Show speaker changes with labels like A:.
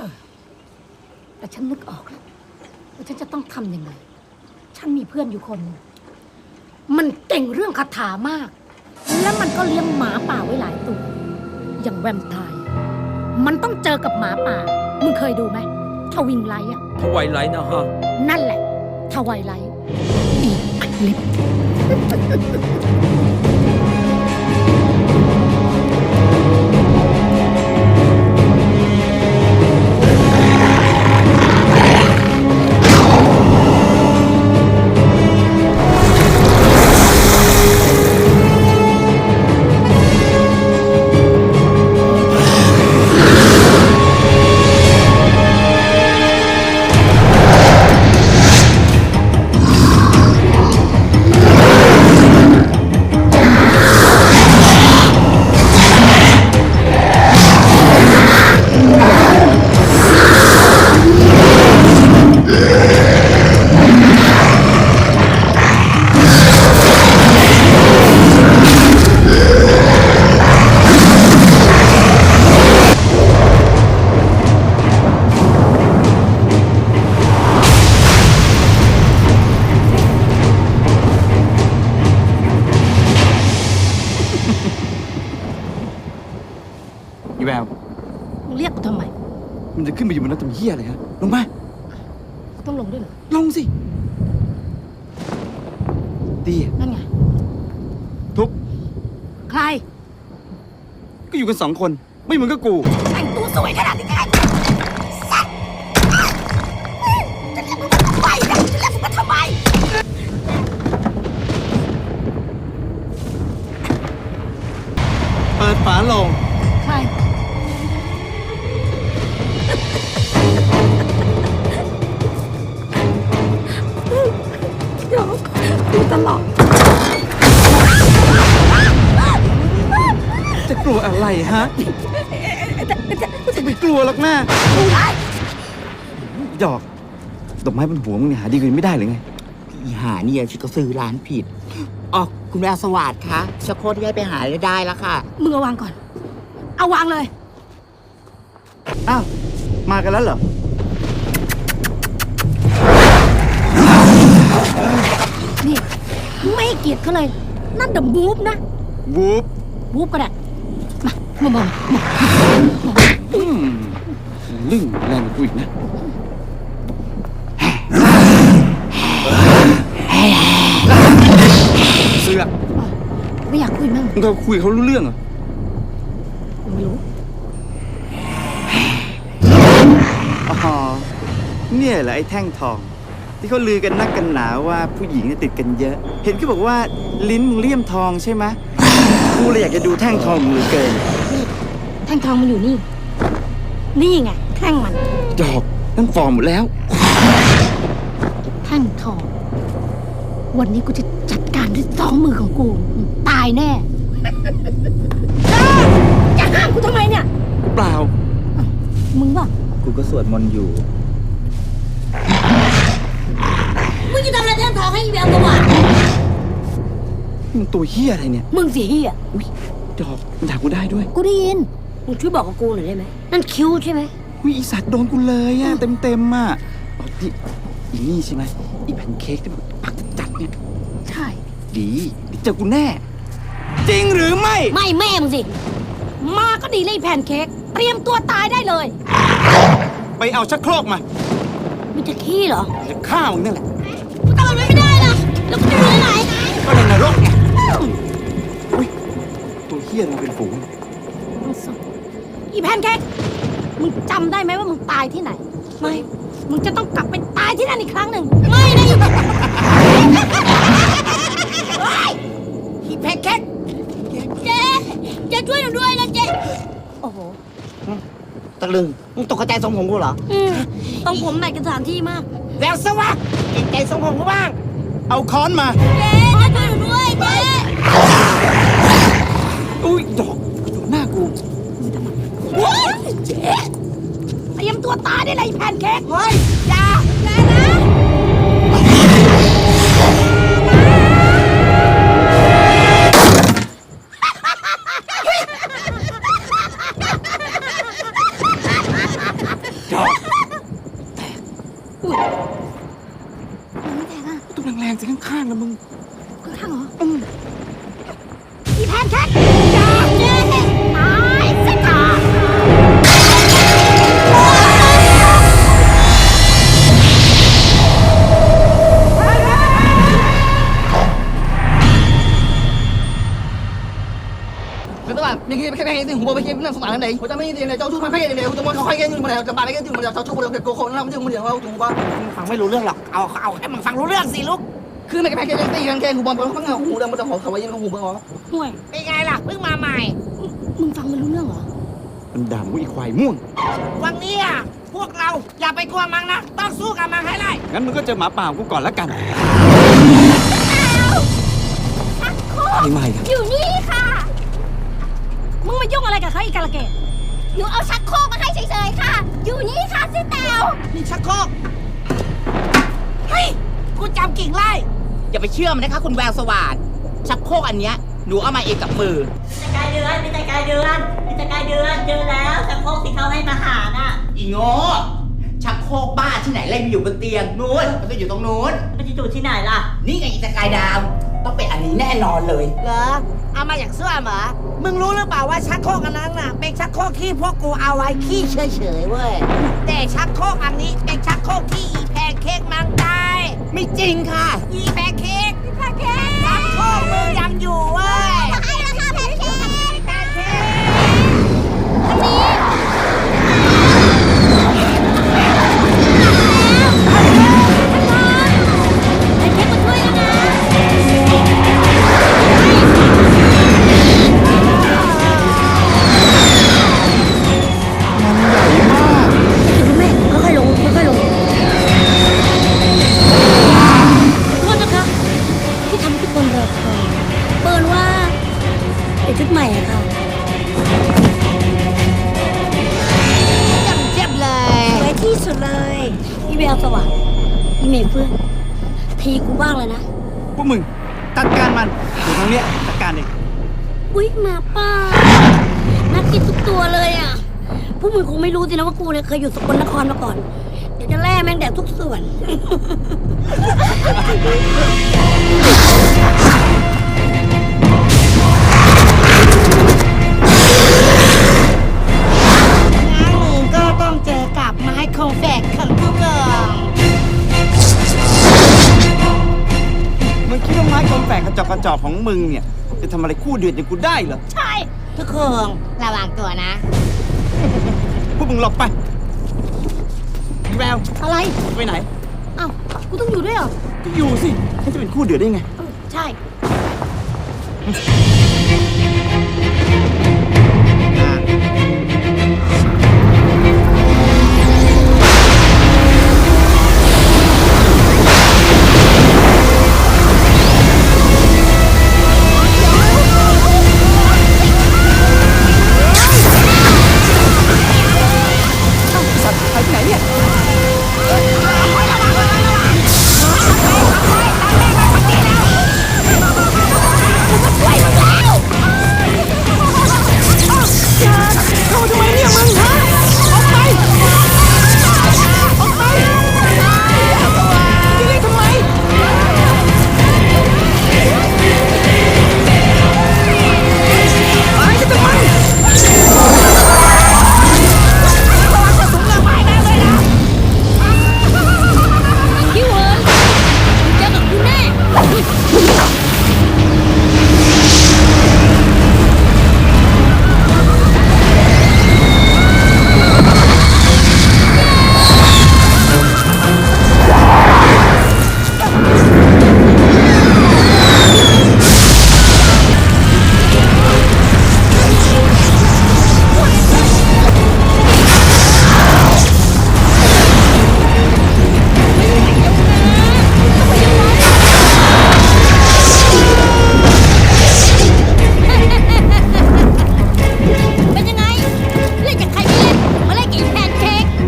A: แต่ฉันนึกออกแล้วว่าฉันจะต้องทำยังไงฉันมีเพื่อนอยู่คนมันเก่งเรื่องคาถามากและมันก็เลี้ยงหมาป่าไว้หลายตัวอย่างแวมไพร์มันต้องเจอกับหมาป่ามึงเคยดูไหมทวิงไลท์อะ
B: ทวายไลท์นะฮะ
A: นั่นแหละทวายไลท์อีอัดลิป
C: อีแวว
A: มึงเรียกกูทำไม
C: มันจะขึ้นไปอยู่บนนั้นทำเหี้ยอะไรฮะลงมา
A: ต้องลงด้วยเหรอ
C: ลงสิดี
A: นั่นไง
C: ทุบ
A: ใคร
C: ก็อยู่กัน2 คนไม่เหมือนกับกู
A: แต่งตัวสวยขนาดนี้ไงสัตว์จะเรียกมึงมาทำไมจะเรียกมึงมาทำไม
C: เปิดฝาโลง
A: ใครเดี๋ยวดูตลอด
C: จะกลัวอะไรฮะจะไปกลัวหรอกนะดอกดอกไม้บนหัวมึงเนี่ยหาดีกว่านี้ไม่ได้หรือไง
D: อีหาเนี่ยฉันก็ซื้อร้านผิดอ๋อคุณแววสวัสดิ์คะชักโครกที่ให้ไปหาได้แล้วค่ะ
A: มึงเอาวางก่อนเอาวางเลย
C: อ้าวมากันแล้วเหรอ
A: นี่ไม่เกลียดเขาเลยนั่นเดอะมูฟนะ
C: วูบ
A: ก็ได้มา
C: ลึ่งแรงกว่ากูอีกนะเสือก
A: ไม่อยากคุยมั้ง
C: มึงก็คุยเขารู้เรื่องเหรอ
A: ไม่รู้
C: อ๋อเนี่ยแหละไอ้แท่งทองที่เขาลือกันนักกันหนาว่าผู้หญิงติดกันเยอะเห็นเขาบอกว่าลิ้นมึงเลี่ยมทองใช่ไหมกูเลยอยากจะดูแท่งทองมึงเกิน
A: แท่งทองมันอยู่นี่ไงแท่งมัน
C: ดอกนั่นฟอร์มหมดแล้ว
A: แท่งทองวันนี้กูจะจัดการด้วย2 มือของกูตายแน่จะห้ามกูทำไมเนี่ย
C: เปล่า
A: มึงป่ะ
C: กูก็สวดมนต์อยู่
A: มึงจะทำอะไรแท่งทองให้อีแววตัว
C: มึงตัวเหี้ยอะไรเนี่ย
A: มึงสิเหี้ย
C: อุ้ยดอกมันด่ากูได้ด้วย
A: กูได้ยินมึงช่วยบอกกับกูหน่อยได้ไหมนั่นคิ้วใช่ไหม
C: อุ้ยอีสัตว์โดนกูเลยอ่ะเต็มอ่ะอ๋ออีนี่ใช่ไหมอีแพนเค้กที่มันปักจัดเนี่ย
A: ใช่
C: ดีเจอกูแน่จริงหรือไม่
A: แม่มึงสิมาก็ดีเลยแพนเค้กเตรียมตัวตายได้เลย
C: ไปเอาชักโครกมา
A: มันจะขี้เหรอ
C: จะฆ่ามึงนั่นแหละ
A: ทำมันไม่ได้ล่ะแล้วกูจะอยู่ไหน
C: ก็ในนรกไงอุ้ยตัวเหี้ยมันเป็นฝูง
A: อีแพนเค้กมึงจำได้ไหมว่ามึงตายที่ไหนไม่มึงจะต้องกลับไปตายที่นั่นอีกครั้งหนึ่งไม่นะอีแพนเค้กเจ๊ช่วยหนูด้วยนะเจ๊โอ้โห
D: ตะลึงมึงตกใจทรงผมกูเหรอ
A: ทรงผมแมทกับสถานที่มาก
D: แววสวัสดิ์ใจทรงผมกูบ้าง
C: เอาค้อนมา
A: เจ๊ช่วยหนูด้วยเจ๊
C: อุ้ยดอกอยู่หน้ากู
A: เจ๊เตรียมตัวตายได้เลยแพนเค้ก
D: เฮ้ยอย่า
A: นะ
C: จอก
A: อุ้ยมันไม่แตกอ่ะ
C: ต้องแรงๆสิข้างๆนะมึง
A: ข้างๆเหรออีแพนเค้กจ้าเจ๊ตายสิจ้า
B: các bạn những cái này thì hùng bò cái làm sống này, hồi ta mấy tiền này cháu chú mấy cái này, tôi muốn khai cái nhưng mà này các bạn cái nhưng mà cháu chú một cái cô không làm nhưng mà điều không chúng ba
D: ฟังไม่รู้เรื่องหรอก เอาให้มันฟังรู้เรื่องสิลูก
B: cứ mấy cáiตีกันแค่hùng bòเขาเอาหูดำมันจะหอมเขาไว้ยังหงบอ
A: ห่วย
D: เป็นไงล่ะ เพิ่งมาใหม่
A: มึงฟังไม่รู้เรื่องเหรอ
C: มันด่ามึงอีควายม่วง
D: วันนี้อ่ะพวกเราอย่าไปกลัวมันนะ ต้องสู้กับมันให้ได้
C: งั้นมึงก็เจอหมาป่าของกูก่อนละกันไม่ไม่ครับ
A: อยู่นี่ค่ะ มึงมายุ่งอะไรกับเขาอีกกาละเกดหนูเอาชักโครกมาให้เฉยๆค่ะ อยู่นี่ค่ะซิแตว
D: นี่ชักโครกเฮ้ย กูจำกิ่งไล่ อย่าไปเชื่อมันนะคะคุณแววสว่านชักโครกอันเนี้ยหนูเอามาเองกับมือ
E: กายเดือนมีแต่กายเดือนมีแต่กายเดือนเจอแล้วแต่พวกที่เขาให้มาหาน่ะ
D: อีโง่ชักโครกบ้าที่ไหนเล่นอยู่บนเตียงนู้นมันก็อยู่ตรงนู้น
E: มันจะอยู่ที่ไหนล่ะ
D: นี่ไงอีตะกายดาว ต้องเป็นอันนี้แน่นอนเลยเหรอเอามาจากเสื้อเหรอมึงรู้หรือเปล่าว่าชักโครกอันนั้นน่ะเป็นชักโครกที่พวกกูเอาไว้ขี้เฉยๆเว้ยแต่ชักโครกอันนี้เป็นชักโครกที่อีแพนเค้กมันได้ไม่จริงค่ะ อีแพนเค้กชักโครกมึงยังอยู่เว้ย
A: ไอ้ราคาแพนเค้ก
D: แพนเค้ก
A: ไอ้เค้กมาช่วยกันนะ
C: มันใหญ่มาก
A: คุณแม่ค่อยๆลงค่อยๆลงโทษนะคะที่ทำให้ทุกคนรอคอยเปิดว่าเป็นชุดใหม่อะค่ะเจ็บเลยสวยที่สุดเลยพี่แววสว่างพี่เมย์เพื่อนทีกูบ้างเลยนะ
C: พวกมึงจัดการมันเดี๋ยวทางเนี้ยจัดการเอง
A: อุ๊ยหมาป่าน่ากินทุกตัวเลยอ่ะพวกมึงคงไม่รู้สินะว่ากูเนี่ยเคยอยู่สกลนครมาก่อน เดี๋ยวจะแล่แม่งแดกทุกส่วน
D: งั้นก็ต้องเจอกับไม้คงแฝกของพวกเรา
C: มึงคิดว่าไม้คมแฝกกระจอกของมึงเนี่ยจะทำอะไรคู่เดือดอย่างกูได้เหรอ
A: ใช่
D: ทุกคนระวังตัวนะ
C: พวกมึงหลบไปพี่แวว
A: อะไร
C: ไปไหน
A: อ้าวกูต้องอยู่ด้วยเหรอ
C: ก็อยู่สิให้จะเป็นคู่เดือดได้ไง
A: ใช่
C: เ